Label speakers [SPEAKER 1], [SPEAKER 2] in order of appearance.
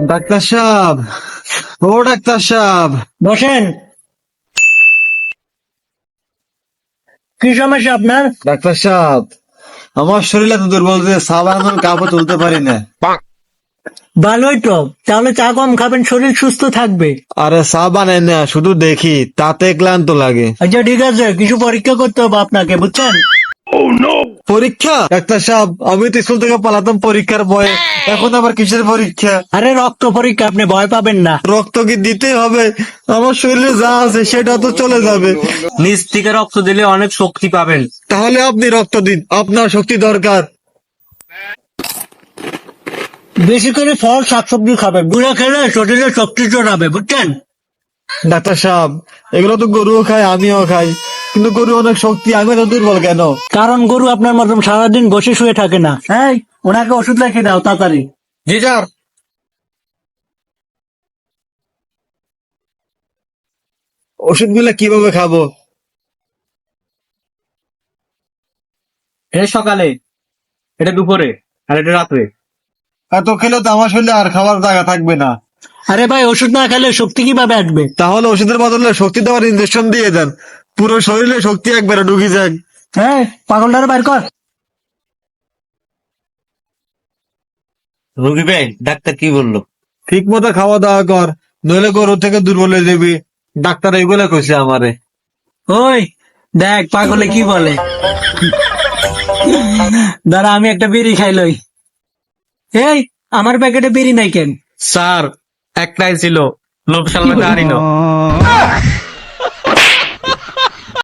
[SPEAKER 1] Doctor সাহেব, ও doctor সাহেব,
[SPEAKER 2] বসেন। কি সমস্যা আপনার?
[SPEAKER 1] ডাক্তার সাহেব, আমার শরীর এত দুর্বল যে চা বানানোর কাপও তুলতে পারি না।
[SPEAKER 2] ভালোই তো, তাহলে চা কম খাবেন, শরীর সুস্থ থাকবে।
[SPEAKER 1] আরে চা বানাই না, শুধু দেখি তাতে ক্লান্ত লাগে।
[SPEAKER 2] আচ্ছা ঠিক আছে, কিছু পরীক্ষা করতে হবে আপনাকে, বুঝছেন?
[SPEAKER 1] পরীক্ষা? ডাক্তার সাহেব, আমি তো স্কুল থেকে পালাতাম পরীক্ষার ভয়ে, এখন আবার কিসের পরীক্ষা?
[SPEAKER 2] আরে রক্ত পরীক্ষা, আপনি ভয় পাবেন না।
[SPEAKER 1] রক্ত কি দিতে হবে? আমার শরীরে যা আছে সেটা তো চলে যাবে।
[SPEAKER 2] নিজ থেকে রক্ত দিলে অনেক শক্তি পাবেন।
[SPEAKER 1] তাহলে আপনি রক্ত দিন, আপনার শক্তি দরকার।
[SPEAKER 2] বেশি করে ফল শাকসবজি খাবেন, গুঁড়ো খেলে শরীরে শক্তি চড়াবে, বুঝছেন?
[SPEAKER 1] ডাক্তার সাহেব, এগুলো তো গরুও খায়, আমিও খাই, কিন্তু গরু অনেক শক্তি, আমি তো দুর্বল কেন?
[SPEAKER 2] কারণ গরু আপনার মতন সারাদিন বসে শুয়ে থাকে না। হ্যাঁ, ওনাকে ওষুধ লিখে দাও তাড়াতাড়ি।
[SPEAKER 1] জি স্যার। ওষুধগুলো কিভাবে খাবো?
[SPEAKER 2] এটা সকালে, এটা দুপুরে, আর এটা রাত্রে।
[SPEAKER 1] এত খেলে তো আমার শরীরে আর খাবার জায়গা থাকবে না।
[SPEAKER 2] আরে ভাই, ওষুধ না খেলে শক্তি কিভাবে আসবে?
[SPEAKER 1] তাহলে ওষুধের বদলে শক্তি দেওয়ার ইনজেকশন দিয়ে দেন, পুরো শরীরে শক্তি একবারে ঢুকে যাক।
[SPEAKER 2] হ্যাঁ, পাগলটারে বাইর কর।
[SPEAKER 3] রবি ভাই, ডাক্তার কি বললো?
[SPEAKER 1] ঠিক মতো খাওয়া দাওয়া কর, নইলে গরু থেকে দুর্বল হয়ে যাবি। ডাক্তার এইগুলা কইছে আমারে।
[SPEAKER 2] ওই দেখ পাগলে কি বলে। দাঁড়া, আমি একটা বিড়ি খাইলই। এই, আমার প্যাকেটে বিড়ি নাই কেন?
[SPEAKER 3] স্যার, একটাই ছিল, লোভ সামলাতে পারিল।